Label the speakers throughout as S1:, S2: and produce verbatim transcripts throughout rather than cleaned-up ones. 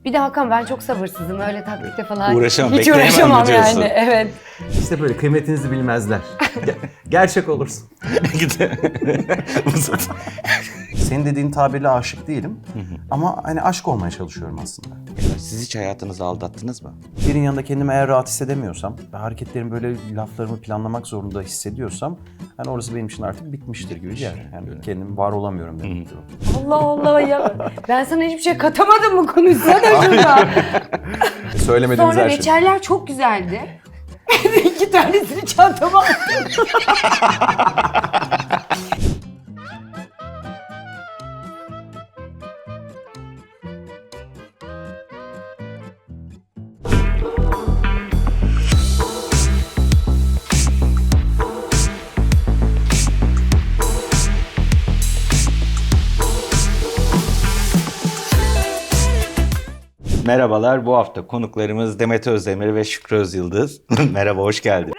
S1: Bir de Hakan ben çok sabırsızım öyle taktikte falan.
S2: Uğraşamam,
S1: Hiç
S2: bekleyemem mi
S1: uğraşamam
S2: diyorsun?
S1: yani. Evet.
S3: İşte böyle kıymetinizi bilmezler. Ge- gerçek olursun. Senin dediğin tabirle aşık değilim. Ama hani aşk olmaya çalışıyorum aslında.
S2: Siz hiç hayatınızı aldattınız mı?
S3: Birinin yanında kendimi eğer rahat hissedemiyorsam ve hareketlerimi böyle laflarımı planlamak zorunda hissediyorsam hani orası benim için artık bitmiştir gibi bir yer. Yani kendim var olamıyorum demektir o.
S1: Allah Allah ya. Ben sana hiçbir şey katamadım mı konuşsana şurada.
S3: Söylemediğimiz
S1: Sonra
S3: her şey.
S1: reçeller çok güzeldi. İki tanesini çantama attım.
S2: Merhabalar, bu hafta konuklarımız Demet Özdemir ve Şükrü Özyıldız. Merhaba, hoş geldin.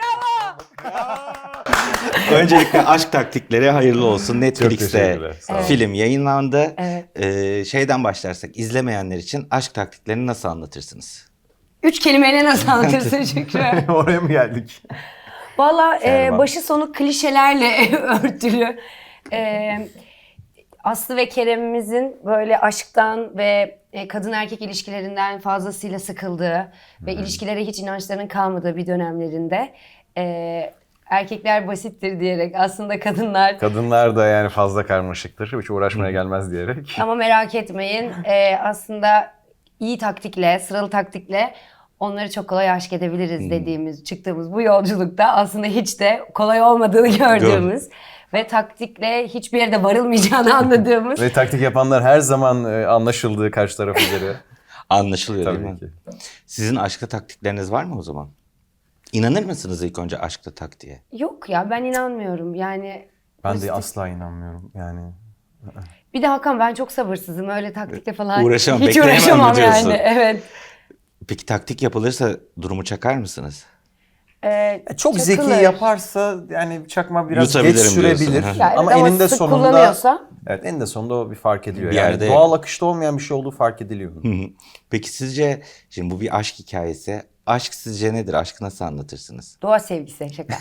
S2: Öncelikle Aşk Taktikleri hayırlı olsun. Netflix'te
S3: teşekkürler, sağ olun.
S2: film yayınlandı.
S1: Evet.
S2: Ee, şeyden başlarsak, izlemeyenler için aşk taktiklerini nasıl anlatırsınız?
S1: Üç kelimeyle nasıl anlatırsın Şükrü?
S3: Oraya mı geldik?
S1: Valla e,
S3: Servan.
S1: başı sonu klişelerle örtülü. E, Aslı ve Kerem'imizin böyle aşktan ve e, kadın erkek ilişkilerinden fazlasıyla sıkıldığı ve ilişkilere hiç inançlarının kalmadığı bir dönemlerinde e, erkekler basittir diyerek aslında kadınlar
S3: Kadınlar da yani fazla karmaşıktır. Hiç uğraşmaya gelmez diyerek.
S1: ama merak etmeyin e, aslında iyi taktikle, sıralı taktikle onları çok kolay aşk edebiliriz dediğimiz, çıktığımız bu yolculukta aslında hiç de kolay olmadığını gördüğümüz ve taktikle hiçbir yerde varılmayacağını anladığımız.
S3: Ve taktik yapanlar her zaman e, anlaşıldığı karşı taraf üzere.
S2: Anlaşılıyor değil
S3: Tabii
S2: mi?
S3: ki.
S2: Sizin aşkta taktikleriniz var mı o zaman? İnanır mısınız ilk önce aşkta taktiğe?
S1: Yok ya ben inanmıyorum yani.
S3: Ben de
S1: pozitif-
S3: asla inanmıyorum yani.
S1: Bir de Hakan ben çok sabırsızım öyle taktikle falan.
S2: Uğraşamam,
S1: Hiç
S2: bekleyemem mi
S1: uğraşamam
S2: diyorsun?
S1: yani. Evet.
S2: Peki taktik yapılırsa durumu çakar mısınız?
S1: Ee,
S3: Çok
S1: çakılır.
S3: zeki yaparsa yani çakma biraz geç
S2: Yutabilirim
S3: sürebilir.
S2: diyorsun.
S1: Yani
S3: ama
S1: ama
S3: eninde
S1: sık
S3: sonunda
S1: kullanıyorsa.
S3: evet eninde sonunda o bir fark ediliyor.
S2: Bir
S3: yani
S2: yerde-
S3: doğal akışta olmayan bir şey olduğu fark ediliyor.
S2: Peki sizce, şimdi bu bir aşk hikayesi. Aşk sizce nedir? Aşkı nasıl anlatırsınız?
S1: Doğa sevgisi şaka.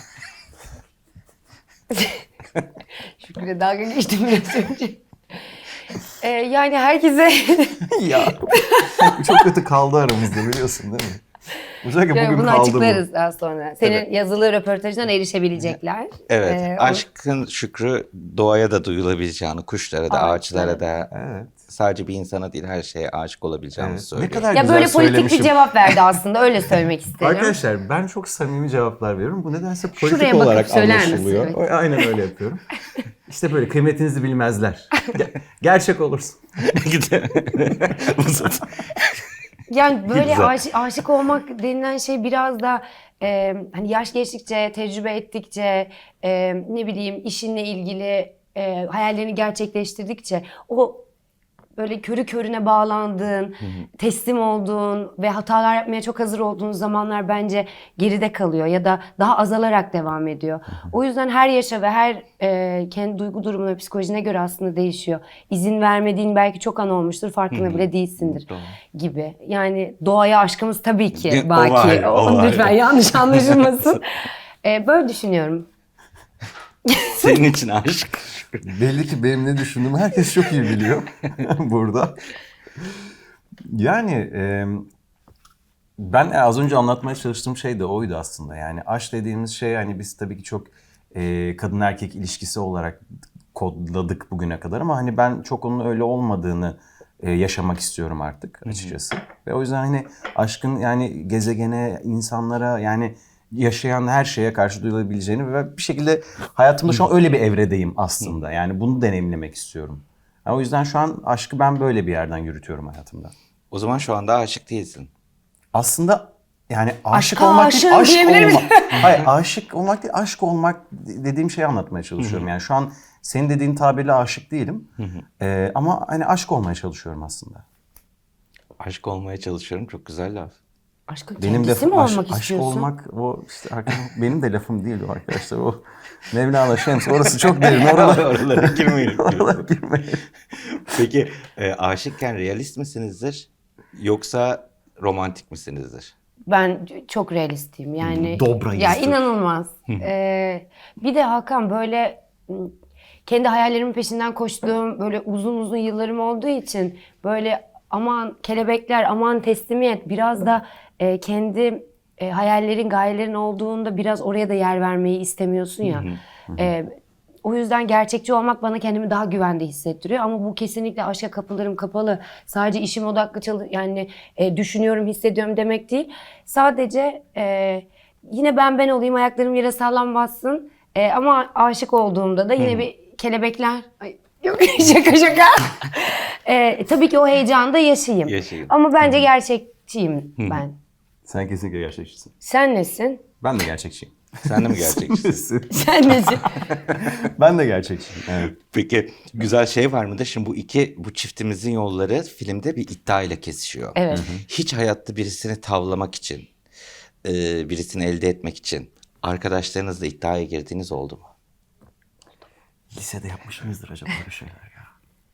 S1: Şükrü'yle dalga geçtim biraz önce. Ee, yani herkese
S3: ya çok kötü kaldı aramızda biliyorsun değil mi? Özellikle
S1: yani
S3: bugün
S1: bunu
S3: kaldı
S1: açıklarız daha sonra. Senin
S3: Evet.
S1: yazılı röportajından erişebilecekler.
S2: Evet,
S1: Ee, o-
S2: aşkın şükrü doğaya da duyulabileceğini, kuşlara da,
S1: Ağaçlara
S2: ağaçlara da,
S3: bu. Evet.
S2: sadece bir insana değil her şeye aşık olabileceğimizi
S3: Evet.
S2: söylüyor.
S3: Ne kadar
S1: Ya
S3: güzel
S1: böyle politik bir
S3: söylemişim.
S1: cevap verdi aslında öyle söylemek isterim.
S3: Arkadaşlar ben çok samimi cevaplar veriyorum. Bu nedense politik
S1: Şuraya bakıp
S3: olarak
S1: söyler misin?
S3: anlaşılıyor.
S1: Evet.
S3: O- Aynen öyle yapıyorum. İşte böyle kıymetinizi bilmezler. Ge- gerçek olursun.
S1: Yani böyle
S2: Güzel.
S1: aşık, aşık olmak denilen şey biraz da e, hani yaş geçtikçe, tecrübe ettikçe, e, ne bileyim işinle ilgili e, hayallerini gerçekleştirdikçe o böyle körü körüne bağlandığın, teslim olduğun ve hatalar yapmaya çok hazır olduğun zamanlar bence geride kalıyor ya da daha azalarak devam ediyor. O yüzden her yaşa ve her e, kendi duygu durumuna, psikolojine göre aslında değişiyor. İzin vermediğin belki çok an olmuştur, farkında bile değilsindir gibi. Yani doğaya aşkımız tabii ki
S2: O
S1: baki.
S2: var, o
S1: O-
S2: var.
S1: Lütfen yanlış anlaşılmasın. E, böyle düşünüyorum.
S2: Senin için aşk.
S3: Belli ki benim ne düşündüğümü herkes çok iyi biliyor burada. Yani e, ben az önce anlatmaya çalıştığım şey de oydu aslında. Yani aşk dediğimiz şey hani biz tabii ki çok e, kadın erkek ilişkisi olarak kodladık bugüne kadar ama hani ben çok onun öyle olmadığını e, yaşamak istiyorum artık açıkçası. Ve o yüzden hani aşkın yani gezegene, insanlara yani yaşayan her şeye karşı duyulabileceğini ve bir şekilde hayatımda şu an öyle bir evredeyim aslında. Yani bunu deneyimlemek istiyorum. Yani o yüzden şu an aşkı ben böyle bir yerden yürütüyorum hayatımda.
S2: O zaman şu anda aşık değilsin.
S3: Aslında yani aşık
S1: Aşka
S3: olmak değil,
S1: aşığım
S3: aşk
S1: diyebilir
S3: olmak.
S1: misin?
S3: Hayır, aşık olmak değil, aşk olmak dediğim şeyi anlatmaya çalışıyorum. Yani şu an senin dediğin tabirle aşık değilim. Ee, ama hani aşk olmaya çalışıyorum aslında.
S2: Aşık olmaya çalışıyorum, çok güzel laf.
S1: Aşkın
S3: Benim
S1: kendisi
S3: de
S1: mi
S3: aşk,
S1: olmak
S3: aşk
S1: istiyorsun?
S3: olmak o işte arkadaşlar, benim de lafım değil o arkadaşlar. O Mevlana Şems orası çok derin. Oralara,
S2: Oralara girmeyelim.
S3: oralara girmeyin.
S2: Peki e, aşıkken realist misinizdir? Yoksa romantik misinizdir?
S1: Ben çok realistiyim yani.
S3: Dobrayızdır.
S1: Ya inanılmaz. Ee, bir de Hakan böyle m, kendi hayallerimin peşinden koştuğum böyle uzun uzun yıllarım olduğu için böyle aman kelebekler, aman teslimiyet, biraz da e, kendi e, hayallerin, gayelerin olduğunda biraz oraya da yer vermeyi istemiyorsun ya. E, o yüzden gerçekçi olmak bana kendimi daha güvende hissettiriyor. Ama bu kesinlikle aşka kapılarım kapalı. Sadece işim odaklı çalı yani e, düşünüyorum, hissediyorum demek değil. Sadece e, yine ben ben olayım, ayaklarım yere sağlam bassın. E, ama aşık olduğumda da yine bir kelebekler... Ay, yok şaka şaka. e, tabii ki o heyecanı da yaşayayım.
S2: Yaşayın.
S1: Ama bence gerçekçiyim ben.
S3: Sen kesinlikle gerçekçisin.
S1: Sen nesin?
S3: Ben de gerçekçiyim.
S2: Sen de mi gerçekçisin?
S1: Sen nesin?
S3: Ben de gerçekçiyim. Evet.
S2: Peki güzel şey var mıdır? Şimdi bu iki, bu çiftimizin yolları filmde bir iddia ile kesişiyor.
S1: Evet.
S2: Hiç hayatta birisini tavlamak için, e, birisini elde etmek için arkadaşlarınızla iddiaya girdiğiniz oldu mu?
S3: Lisede yapmış mıyızdır acaba böyle şeyler ya?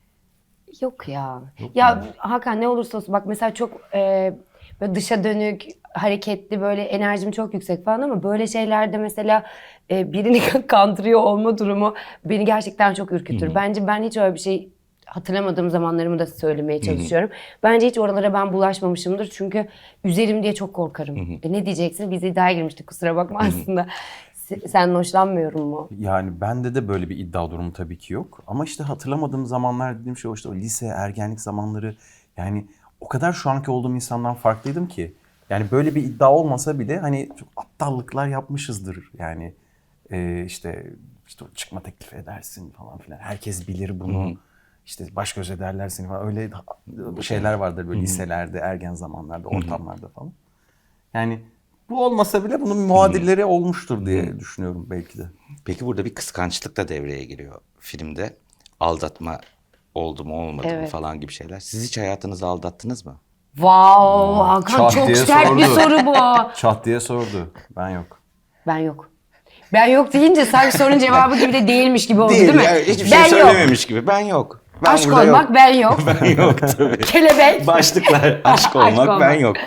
S1: Yok ya. Ya Hakan ne olursa olsun bak mesela çok e, böyle dışa dönük, hareketli, böyle enerjim çok yüksek falan ama böyle şeylerde mesela e, birini kandırıyor olma durumu beni gerçekten çok ürkütür. Bence ben hiç öyle bir şey hatırlamadığım zamanlarımı da söylemeye çalışıyorum. Bence hiç oralara ben bulaşmamışımdır çünkü üzerim diye çok korkarım. E, ne diyeceksin? Biz iddiaya girmiştik, kusura bakma aslında. Se- Senden hoşlanmıyorum mu?
S3: Yani bende de böyle bir iddia durumu tabii ki yok. Ama işte hatırlamadığım zamanlar dediğim şey o işte o lise, ergenlik zamanları. Yani o kadar şu anki olduğum insandan farklıydım ki. Yani böyle bir iddia olmasa bile hani çok aptallıklar yapmışızdır. Yani e, işte işte o çıkma teklif edersin falan filan. Herkes bilir bunu. İşte baş göz ederler seni falan. Öyle şeyler vardır böyle liselerde, ergen zamanlarda, ortamlarda falan. Yani bu olmasa bile bunun muadilleri olmuştur diye düşünüyorum belki de.
S2: Peki burada bir kıskançlık da devreye giriyor filmde. Aldatma oldu mu olmadı mı
S1: Evet.
S2: falan gibi şeyler. Siz hiç hayatınızı aldattınız mı?
S1: Wow, Hakan
S3: Çat
S1: çok
S3: diye
S1: sert bir
S3: sordu.
S1: soru bu.
S3: Çat diye sordu. Ben yok.
S1: Ben yok. Ben yok deyince sanki sorunun cevabı gibi de değilmiş gibi oldu değil, mi?
S2: yani hiçbir
S1: ben
S2: şey
S1: yok.
S2: söylememiş gibi. Ben yok. Ben
S1: Aşk
S2: burada
S1: olmak
S2: yok.
S1: ben yok.
S2: Ben yok tabii.
S1: Kelebek.
S2: Başlıklar aşk olmak,
S1: olmak.
S2: ben yok.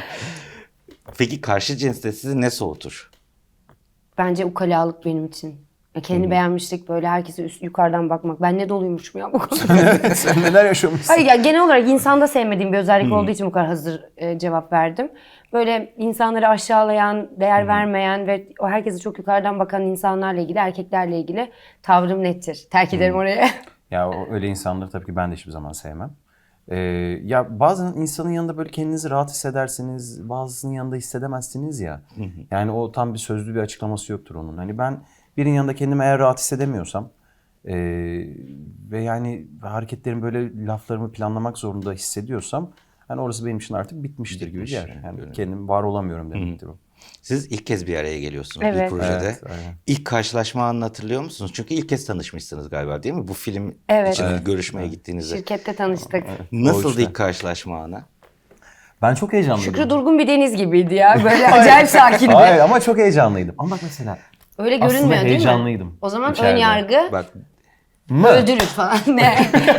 S2: Peki karşı cinste sizi ne soğutur?
S1: Bence ukalalık benim için. Ya kendi beğenmişlik, böyle herkese üst, yukarıdan bakmak. Ben ne doluymuşum ya bu konuda.
S3: Sen neler yaşamışsın?
S1: Hayır ya, genel olarak insanda sevmediğim bir özellik olduğu için bu kadar hazır e, cevap verdim. Böyle insanları aşağılayan, değer vermeyen ve o herkese çok yukarıdan bakan insanlarla ilgili, erkeklerle ilgili tavrım nettir. Terk ederim oraya.
S3: Ya o- öyle insanları tabii ki ben de hiçbir zaman sevmem. Ee, ya bazen insanın yanında böyle kendinizi rahat hissedersiniz, bazısının yanında hissedemezsiniz ya. Yani o tam bir sözlü bir açıklaması yoktur onun. Hani ben birinin yanında kendimi eğer rahat hissedemiyorsam ee, ve yani hareketlerimi böyle laflarımı planlamak zorunda hissediyorsam hani orası benim için artık bitmiştir gibi bir
S2: Bitmiş
S3: yer.
S2: yani,
S3: Yani
S2: böyle.
S3: kendim var olamıyorum demektir o.
S2: Siz ilk kez bir araya geliyorsunuz
S1: Evet.
S2: bir projede.
S3: Evet, aynen.
S2: İlk karşılaşma anını hatırlıyor musunuz? Çünkü ilk kez tanışmışsınız galiba değil mi? Bu film
S1: Evet.
S2: için
S1: Evet.
S2: görüşmeye gittiğinizde.
S1: Şirkette tanıştık.
S2: Nasıldı
S3: O işte.
S2: ilk karşılaşma anı?
S3: Ben çok heyecanlıydım.
S1: Şükrü durgun bir deniz gibiydi ya. Böyle acayip sakindi.
S3: Hayır ama çok heyecanlıydım. Ama bak mesela
S1: Öyle
S3: Aslında
S1: görünmüyor değil mi?
S3: heyecanlıydım
S1: O zaman
S3: içeride.
S1: ön yargı
S2: Bak
S3: mı?
S1: öldürür falan. Ne?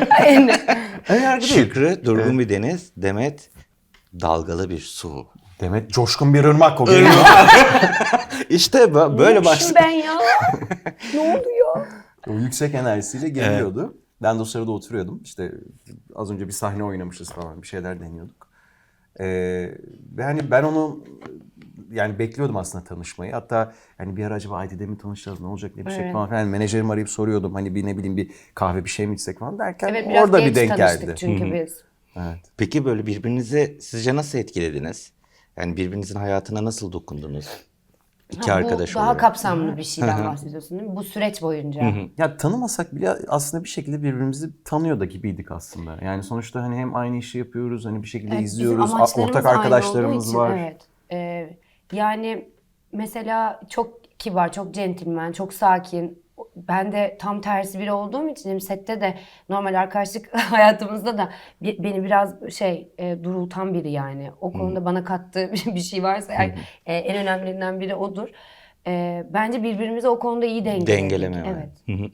S3: Ön yargı değil.
S2: Şükrü, durgun bir deniz, Demet dalgalı bir su.
S3: Demet coşkun bir ırmak o geliyor.
S2: İşte bö- böyle
S1: Neymişim
S2: başlık.
S1: ben ya? Ne oluyor?
S3: O yüksek enerjisiyle geliyordu. Ben de o sırada oturuyordum. İşte az önce bir sahne oynamışız falan. Bir şeyler deniyorduk. Ee, ve hani ben onu yani bekliyordum aslında tanışmayı. Hatta hani bir ara acaba Aydi'de mi tanışacağız, ne olacak, ne bir şey
S1: Evet.
S3: falan filan. Menajerimi arayıp soruyordum. Hani bir ne bileyim bir kahve bir şey mi içsek falan derken
S1: Evet, biraz
S3: orada
S1: geç
S3: bir denk
S1: tanıştık
S3: geldi.
S1: çünkü biz.
S3: Evet.
S2: Peki böyle birbirinizi sizce nasıl etkilediniz? Yani birbirinizin hayatına nasıl dokundunuz? İki
S1: Ha,
S2: arkadaş
S1: bu daha
S2: olarak.
S1: kapsamlı bir şeyden bahsediyorsun değil mi? Bu süreç boyunca.
S3: Ya tanımasak bile aslında bir şekilde birbirimizi tanıyor da gibiydik aslında. Yani sonuçta hani hem aynı işi yapıyoruz, hani bir şekilde
S1: Evet, bizim
S3: izliyoruz, a-
S1: amaçlarımız
S3: ortak
S1: aynı
S3: arkadaşlarımız
S1: olduğu için,
S3: var.
S1: Evet. Ee, yani mesela çok kibar, çok centilmen, çok sakin. Ben de tam tersi biri olduğum için hem sette de normal arkadaşlık hayatımızda da bi- beni biraz şey e, durultan biri yani. O konuda bana kattığı bir şey varsa eğer, e, en önemlilerinden biri odur. E, bence birbirimizi o konuda iyi dengeledik.
S2: Dengeleme var.
S1: Evet.
S2: Hı hı.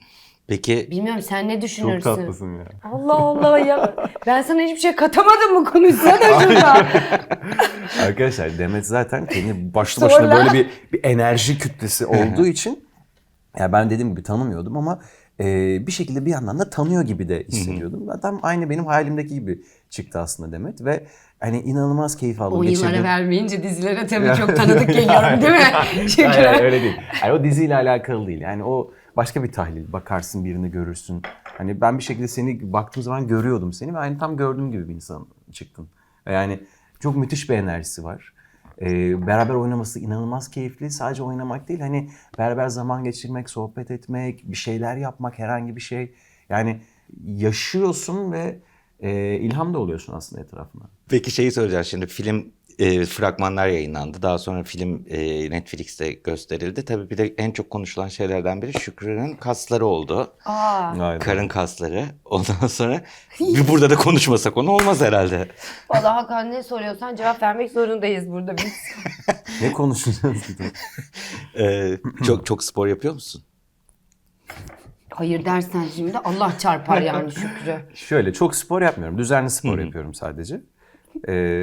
S2: Peki
S1: Bilmiyorum sen ne
S3: Çok
S1: düşünürsün?
S3: tatlısın ya.
S1: Allah Allah ya. Ben sana hiçbir şey katamadım mı, konuşsana şurada.
S3: Arkadaşlar Demet zaten kendi başlı başına
S1: Sonra?
S3: böyle bir, bir enerji kütlesi olduğu için ya ben dediğim gibi tanımıyordum ama e, bir şekilde bir yandan da tanıyor gibi de hissediyordum. Tam aynı benim hayalimdeki gibi çıktı aslında Demet ve hani inanılmaz keyif aldım.
S1: On yıllara
S3: Geçirdim.
S1: vermeyince dizilere tabii çok tanıdık geliyorum değil mi? Çünkü
S3: Hayır, hayır, öyle değil. Yani o diziyle alakalı değil. Yani o başka bir tahlil. Bakarsın birini görürsün. Hani ben bir şekilde seni baktığım zaman görüyordum seni ve aynı tam gördüğüm gibi bir insan çıktın. Yani çok müthiş bir enerjisi var. Ee, beraber oynaması inanılmaz keyifli. Sadece oynamak değil, hani beraber zaman geçirmek, sohbet etmek, bir şeyler yapmak, herhangi bir şey. Yani yaşıyorsun ve e, ilham da oluyorsun aslında etrafına.
S2: Peki şeyi soracağım şimdi, film e, fragmanlar yayınlandı. Daha sonra film e, Netflix'te gösterildi. Tabii bir de en çok konuşulan şeylerden biri Şükrü'nün kasları oldu.
S1: Aa,
S3: Gayet.
S2: Karın kasları. Ondan sonra bir burada da konuşmasak onu olmaz herhalde.
S1: vallahi Hakan ne soruyorsan cevap vermek zorundayız burada biz.
S3: Ne konuşacağız?
S2: E, çok çok spor yapıyor musun?
S1: Hayır dersen şimdi Allah çarpar yani Şükrü.
S3: Şöyle çok spor yapmıyorum. Düzenli spor yapıyorum sadece. Ee,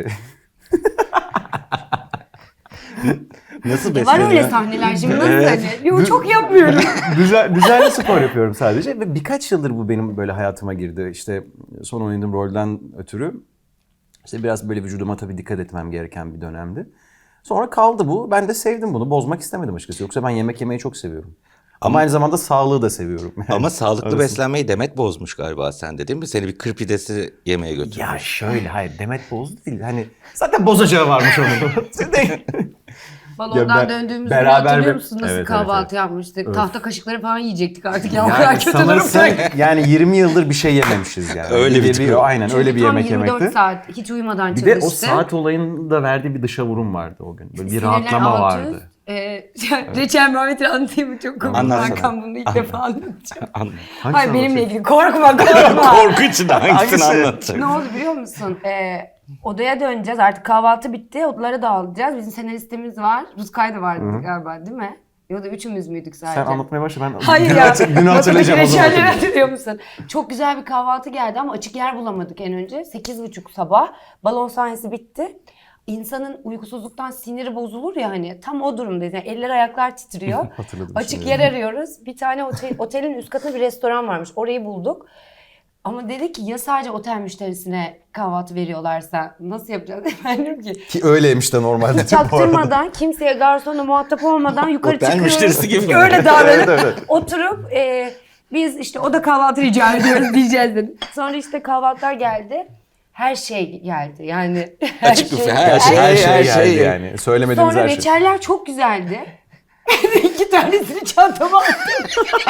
S2: Nasıl
S1: Var
S2: besleniyor?
S1: öyle sahneler şimdi nasıl
S2: Evet.
S1: hani? Yo, çok yapmıyorum.
S3: Düzen, düzenli spor yapıyorum sadece ve birkaç yıldır bu benim böyle hayatıma girdi. İşte son oynadığım rolden ötürü işte biraz böyle vücuduma tabii dikkat etmem gereken bir dönemdi. Sonra kaldı bu. Ben de sevdim bunu. Bozmak istemedim açıkçası. Yoksa ben yemek yemeyi çok seviyorum. Ama aynı zamanda sağlığı da seviyorum. Yani
S2: Ama sağlıklı
S3: arasında.
S2: beslenmeyi Demet bozmuş galiba sende, değil mi? Seni bir kır pidesi yemeye götürmüş.
S3: Ya şöyle, hayır, Demet bozdu değil. Hani zaten bozacağı varmış onun.
S1: Balondan
S3: Ya ben-
S1: döndüğümüzü
S3: beraber
S1: hatırlıyor
S3: bir-
S1: musun? Nasıl
S3: Evet, evet,
S1: kahvaltı
S3: evet.
S1: yapmıştık?
S3: Öf.
S1: Tahta kaşıkları falan yiyecektik artık ya. O kadar
S3: Yani
S1: kötü
S3: sanırsın
S1: durumdaydık.
S3: yani yirmi yıldır bir şey yememişiz yani.
S2: Öyle bir tip.
S3: Aynen
S1: Çünkü
S3: öyle bir
S1: tam
S3: yemek
S1: yirmi dört
S3: yemekti.
S1: saat hiç uyumadan
S3: Bir
S1: çalıştı.
S3: de o saat olayının da verdiği bir dışa vurum vardı o gün. Böyle bir
S1: Sinirler
S3: rahatlama
S1: alt üst.
S3: vardı.
S1: Ee, Reçel Muhammed'i anlatayım mı? Çok komik.
S2: Anlatsana.
S1: Hakan bunu ilk defa anlatacağım.
S2: Anladım.
S1: Hayır benimle
S3: anlatayım?
S1: ilgili. Korkma korkma.
S2: Korku içinde hangisini
S3: Hangisi?
S2: anlatacak?
S1: Ne oldu biliyor musun? Ee, odaya döneceğiz. Artık kahvaltı bitti. Odalara dağılacağız. Bizim senaristimiz var. Ruskay da vardı galiba değil mi? Ya da üçümüz müydük sadece?
S3: Sen anlatmaya başla, ben
S1: Hayır
S3: günü,
S1: ya.
S3: hatır- günü hatırlayacağım o zaman.
S1: Reçelleri hatırlıyor musun? Çok güzel bir kahvaltı geldi ama açık yer bulamadık en önce. Sekiz buçuk sabah. Balon sahnesi bitti. İnsanın uykusuzluktan siniri bozulur ya hani. Tam o durumdayız. Yani eller ayaklar titriyor.
S3: Hatırladım
S1: Açık
S3: şimdi.
S1: yer arıyoruz. Bir tane otel, otelin üst katında bir restoran varmış. Orayı bulduk. Ama dedi ki ya sadece otel müşterisine kahvaltı veriyorlarsa nasıl yapacağız? Ben dedim ki
S3: Ki öyleymiş de normalde.
S1: hiç çaktırmadan, kimseye garsonla muhatap olmadan yukarı
S2: Otel
S1: çıkıyoruz.
S2: müşterisi gibi mi?
S1: Öyle davranıp
S3: Evet, evet.
S1: oturup e, biz işte o da kahvaltı rica ediyoruz diyeceğiz dedim. Sonra işte kahvaltılar geldi. Her şey geldi yani. Her
S2: Açık büfe, her şey,
S3: Her şey
S2: her
S3: geldi
S2: şey.
S3: yani. Söylemediğimiz
S1: Sonra
S3: her şey.
S1: reçeller çok güzeldi. İki tanesini çantama attım.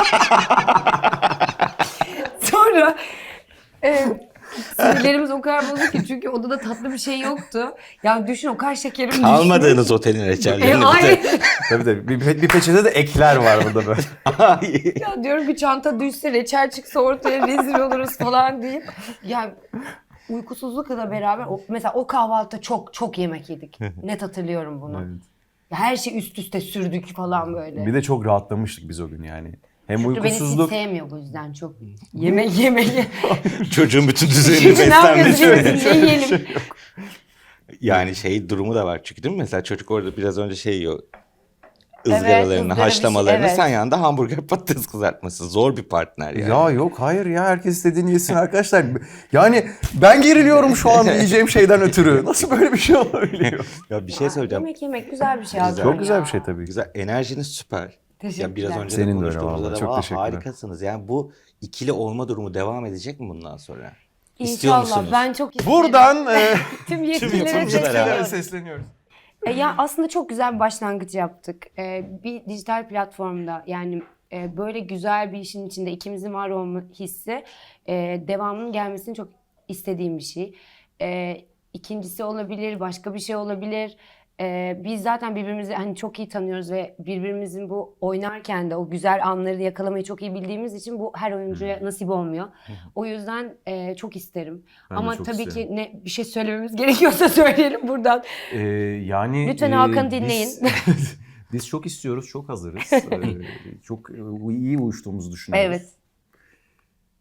S1: Sonra e, sinirlerimiz o kadar bozuk ki çünkü odada tatlı bir şey yoktu. Ya düşün o kadar şekerim düşmüş.
S2: Almadığınız otelin
S1: E,
S2: reçellerini.
S1: hayır.
S3: Tabii tabii. Bir, bir peçete de ekler var burada böyle.
S1: Ya diyorum ki çanta düşse reçel çıksa ortaya rezil oluruz falan deyip. Ya uykusuzlukla da beraber o, mesela o kahvaltıda çok çok yemek yedik. Net hatırlıyorum bunu.
S3: Evet.
S1: Ya her şey üst üste sürdük falan böyle.
S3: Bir de çok rahatlamıştık biz o gün yani. Hem
S1: Şükrü beni hiç
S3: uykusuzluk.
S1: sevmiyor bu yüzden çok. Yemek yemek.
S2: Çocuğun bütün düzenini
S1: Şimdi ne
S2: beslenmesi.
S1: yapıyorsun? Ne yiyelim?
S2: Yani şey durumu da var çünkü, değil mi? Mesela çocuk orada biraz önce şey yiyor.
S1: Evet,
S2: ızgaralarını,
S1: ızgara bir şey,
S2: haşlamalarını.
S1: evet.
S2: Sen yanında hamburger patates kızartması. Zor bir partner yani.
S3: Ya yok, hayır ya, herkes istediğini yesin arkadaşlar. Yani ben geriliyorum şu an yiyeceğim şeyden ötürü. Nasıl böyle bir şey olabiliyor?
S2: Ya bir şey söyleyeceğim.
S1: Yemek yemek güzel bir şey.
S2: Güzel.
S1: Hakan
S3: Çok güzel
S1: ya.
S3: bir şey tabii ki.
S2: Güzel. Enerjiniz süper.
S1: Teşekkürler.
S2: Ya biraz önce
S3: Senin
S2: de
S3: de öyle
S2: konuştuğumuzda
S3: vallahi.
S2: da
S3: Çok
S2: "Aa,
S3: teşekkürler."
S2: harikasınız. Yani bu ikili olma durumu devam edecek mi bundan sonra? İstiyor
S1: İnşallah
S2: musunuz?
S1: ben çok isterim.
S3: Buradan e,
S1: tüm yetkililere
S2: yapımcılara
S1: sesleniyorum.
S3: sesleniyoruz.
S1: E, ya aslında çok güzel bir başlangıç yaptık. E, bir dijital platformda yani e, böyle güzel bir işin içinde ikimizin var olma hissi e, devamının gelmesini çok istediğim bir şey. E, ikincisi olabilir, başka bir şey olabilir. E, biz zaten birbirimizi hani çok iyi tanıyoruz ve birbirimizin bu oynarken de o güzel anları yakalamayı çok iyi bildiğimiz için bu her oyuncuya nasip olmuyor. O yüzden e, çok isterim.
S3: Ben de
S1: Ama
S3: çok
S1: tabii
S3: isterim.
S1: ki ne bir şey söylememiz gerekiyorsa söyleyelim buradan.
S3: Ee, yani
S1: Lütfen
S3: e,
S1: Hakan'ı
S3: biz-
S1: dinleyin.
S3: Biz çok istiyoruz, çok hazırız. Ee, çok iyi uyuştuğumuzu düşünüyoruz.
S1: Evet.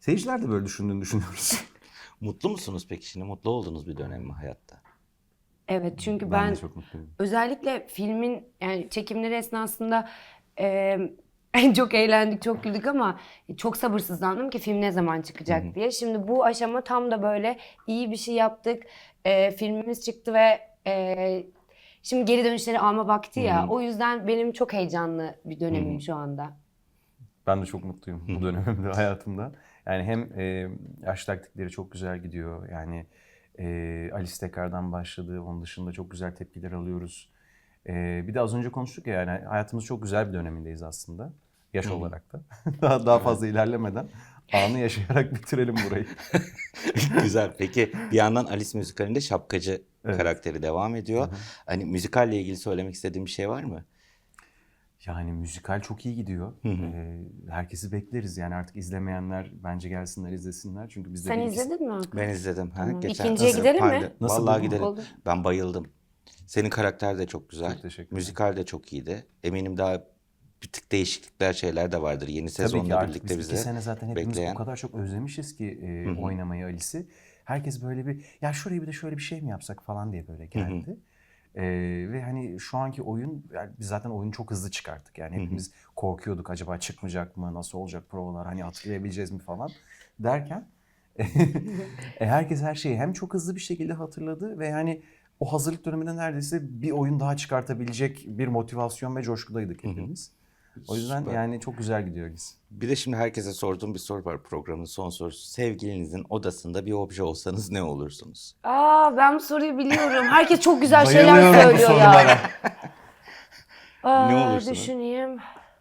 S3: Seyirciler de böyle düşündüğünü düşünüyoruz.
S2: Mutlu musunuz peki şimdi? Mutlu oldunuz bir dönem mi hayatta?
S1: Evet, çünkü
S3: Ben
S1: ben,
S3: de çok mutluyum.
S1: özellikle filmin yani çekimleri esnasında e, çok eğlendik, çok güldük ama çok sabırsızlandım ki film ne zaman çıkacak diye. Şimdi bu aşama tam da böyle iyi bir şey yaptık. E, filmimiz çıktı ve e, şimdi geri dönüşleri alma vakti ya. O yüzden benim çok heyecanlı bir dönemim şu anda.
S3: Ben de çok mutluyum bu dönemimde hayatımda. Yani hem e, yaş taktikleri çok güzel gidiyor. Yani e, Alice tekrardan başladı. Onun dışında çok güzel tepkiler alıyoruz. E, bir de az önce konuştuk ya, yani hayatımız çok güzel bir dönemindeyiz aslında. Yaş olarak da. daha daha fazla ilerlemeden anı yaşayarak bitirelim burayı.
S2: Güzel. Peki bir yandan Alice müzikalinde şapkacı karakteri devam ediyor. Hani müzikalle ilgili söylemek istediğim bir şey var mı?
S3: Yani müzikal çok iyi gidiyor. Ee, herkesi bekleriz. Yani artık izlemeyenler bence gelsinler izlesinler. Çünkü biz de
S1: Sen
S3: bir iki-
S1: izledin mi Hakan?
S2: Ben izledim. Ha,
S1: Tamam.
S2: geçen
S1: İkinciye
S2: Nasıl?
S1: gidelim mi?
S2: Pardon.
S3: Nasıl
S2: Vallahi
S3: buldun?
S2: gidelim.
S1: Olur.
S2: Ben bayıldım. Senin karakter de çok güzel.
S3: Çok teşekkür ederim.
S2: Müzikal de çok iyiydi. Eminim daha bir tık değişiklikler şeyler de vardır. Yeni
S3: Tabii ki
S2: sezonla
S3: artık
S2: birlikte
S3: biz
S2: bize
S3: iki sene zaten hepimiz
S2: bekleyen.
S3: o kadar çok özlemişiz ki e, oynamayı Alice'i. Herkes böyle bir ya şuraya bir de şöyle bir şey mi yapsak falan diye böyle geldi. E, ve hani şu anki oyun, yani biz zaten oyunu çok hızlı çıkarttık. Yani hepimiz korkuyorduk, acaba çıkmayacak mı, nasıl olacak provalar, hani hatırlayabileceğiz mi falan derken e, herkes her şeyi hem çok hızlı bir şekilde hatırladı ve yani o hazırlık döneminde neredeyse bir oyun daha çıkartabilecek bir motivasyon ve coşkudaydık hepimiz. O yüzden
S2: Süper.
S3: yani çok güzel gidiyor biz.
S2: Bir de şimdi herkese sorduğum bir soru var, programın son sorusu. Sevgilinizin odasında bir obje olsanız ne olursunuz?
S1: Aa, ben bu soruyu biliyorum. Herkes çok güzel şeyler
S3: Bayılıyorum bu
S1: söylüyor
S3: sorulara.
S1: ya. Aa,
S2: Ne olursun?
S1: düşüneyim.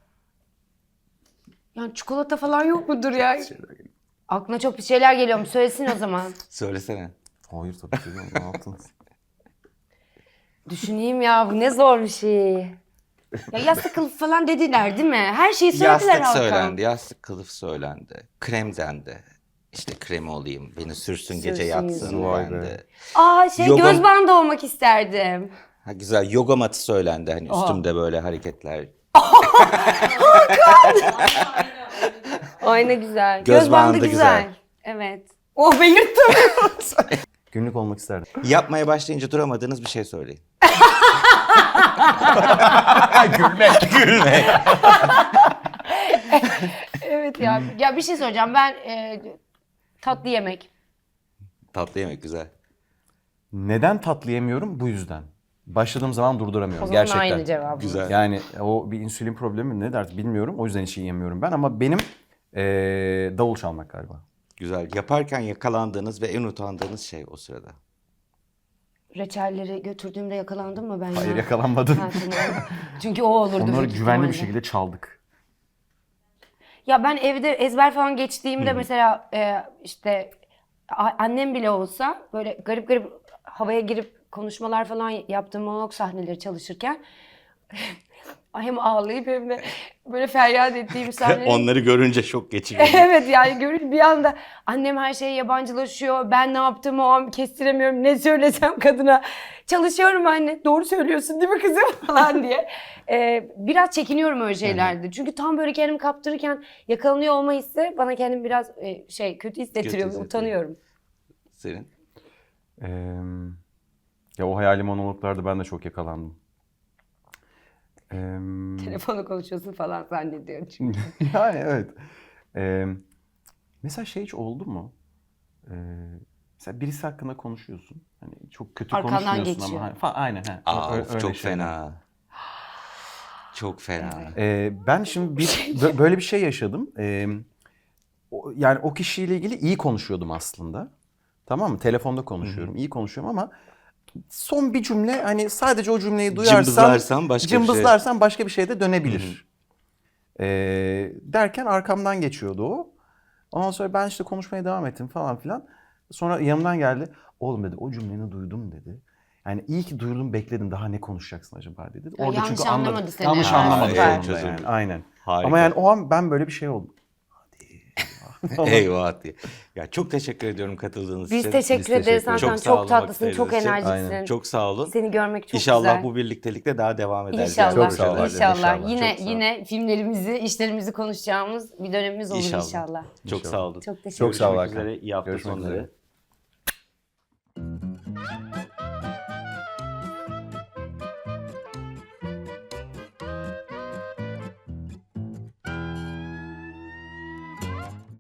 S1: Yani çikolata falan yok mudur ya? Aklına çok bir şeyler geliyor mu? Söylesin o zaman.
S2: Söylesene.
S3: Hayır tabii ki değil mi? Ne yaptınız?
S1: Düşüneyim ya, bu ne zor bir şey. Ya yastık kılıf falan dediler değil mi? Her şeyi söylediler
S2: Yastık
S1: Hakan.
S2: söylendi, yastık kılıf söylendi. Krem dendi. İşte krem olayım, beni sürsün, gece
S1: Sürsün
S2: yatsın
S1: yüzüne.
S3: Vay be.
S2: dendi.
S1: Aa şey
S2: Yoga-
S1: göz bandı olmak isterdim.
S2: Ha, güzel, yoga matı söylendi, hani üstümde böyle hareketler.
S1: Ay ne güzel.
S2: Göz
S1: Göz, bandı
S2: bandı
S1: güzel.
S2: güzel.
S1: Evet. Oh belirttim.
S3: Günlük olmak isterdim.
S2: Yapmaya başlayınca duramadığınız bir şey söyleyin.
S3: Gülmek. Gülmek.
S1: Evet ya. Ya bir şey söyleyeceğim. Ben e, tatlı yemek.
S2: Tatlı yemek güzel.
S3: Neden tatlı yemiyorum? Bu yüzden. Başladığım zaman
S1: O
S3: durduramıyorum
S1: zaman
S3: gerçekten.
S1: aynı cevabı.
S2: Güzel.
S3: Yani o bir insülin problemi mi ne der bilmiyorum. O yüzden hiç yiyemiyorum ben, ama benim eee, davul çalmak galiba.
S2: Güzel. Yaparken yakalandığınız ve en utandığınız şey o sırada.
S1: Reçelleri götürdüğümde yakalandım mı ben ya?
S3: Hayır, yakalanmadım.
S1: Ha, tamam. Çünkü o olurdu.
S3: Onları
S1: büyük
S3: güvenli bir
S1: ihtimalle.
S3: şekilde çaldık.
S1: Ya ben evde ezber falan geçtiğimde mesela e, işte a- annem bile olsa böyle garip garip havaya girip konuşmalar falan yaptığım monolog sahneleri çalışırken hem ağlayıp hem de böyle feryat ettiğim sahneler.
S2: Onları görünce şok geçiriyor.
S1: Evet yani görün bir anda annem her şeye yabancılaşıyor. Ben ne yaptığımı o an kestiremiyorum. Ne söylesem kadına. Çalışıyorum anne. Doğru söylüyorsun değil mi kızım falan diye. Ee, biraz çekiniyorum öyle şeylerde. Çünkü tam böyle kendimi kaptırırken yakalanıyor olma hissi bana kendimi biraz e, şey kötü hissettiriyor.
S2: hissettiriyor.
S1: Utanıyorum.
S2: Senin?
S3: Eee, ya o hayali monologlarda ben de çok yakalandım. Eee,
S1: Telefonu konuşuyorsun falan zannediyorum çünkü.
S3: yani evet. Eee, mesela şey hiç oldu mu? Eee, mesela birisi hakkında konuşuyorsun. Hani çok kötü
S1: Arkandan
S3: konuşmuyorsun
S1: geçiyor.
S3: ama. Hani, fa- aynen. He,
S2: Aa,
S3: Ö-
S2: of,
S3: öyle
S2: çok
S3: şeyler.
S2: fena. Çok fena.
S3: Ee, ben şimdi bir bö- böyle bir şey yaşadım. Ee, o- yani o kişiyle ilgili iyi konuşuyordum aslında. Tamam mı? Telefonda konuşuyorum. İyi konuşuyorum ama son bir cümle, hani sadece o cümleyi duyarsam
S2: Cımbızlarsan başka bir şey.
S3: cımbızlarsam başka bir şey de dönebilir. Ee, derken arkamdan geçiyordu o. Ondan sonra ben işte konuşmaya devam ettim falan filan. Sonra yanımdan geldi. Oğlum dedi, o cümleni duydum dedi. Yani iyi ki duydum, bekledim, daha ne konuşacaksın acaba dedi.
S1: Ya yanlış
S3: anladı-
S1: anlamadı seni.
S3: Yanlış
S1: Ha,
S3: anlamadı
S2: süper.
S3: sonunda yani. Aynen.
S2: Harika.
S3: Ama yani o an ben böyle bir şey oldum. Hadi.
S2: Eyvah diye. Ya çok teşekkür ediyorum katıldığınız
S1: Biz
S2: için.
S1: teşekkür
S3: Biz
S1: ederiz
S3: teşekkür
S1: Hakan.
S2: ederiz.
S1: Çok,
S2: Çok sağ olun
S1: tatlısın, çok
S2: vakitleriniz için.
S1: enerjiksin.
S3: Aynen.
S2: Çok sağ olun.
S1: Seni görmek çok
S2: İnşallah
S1: güzel.
S2: bu birliktelikte daha devam ederiz.
S1: İnşallah.
S2: yani
S3: Çok sağ ol.
S2: projelerde.
S1: İnşallah.
S3: İnşallah.
S1: Yine
S2: Çok sağ ol.
S1: yine filmlerimizi, işlerimizi konuşacağımız bir dönemimiz olur inşallah.
S2: İnşallah. Çok
S3: İnşallah.
S2: sağ olun.
S1: Çok teşekkür
S3: Çok sağ ol
S2: Görüşmek
S3: Hakan.
S2: üzere. İyi hafta
S3: Görüşmek
S2: sonları.
S3: üzere.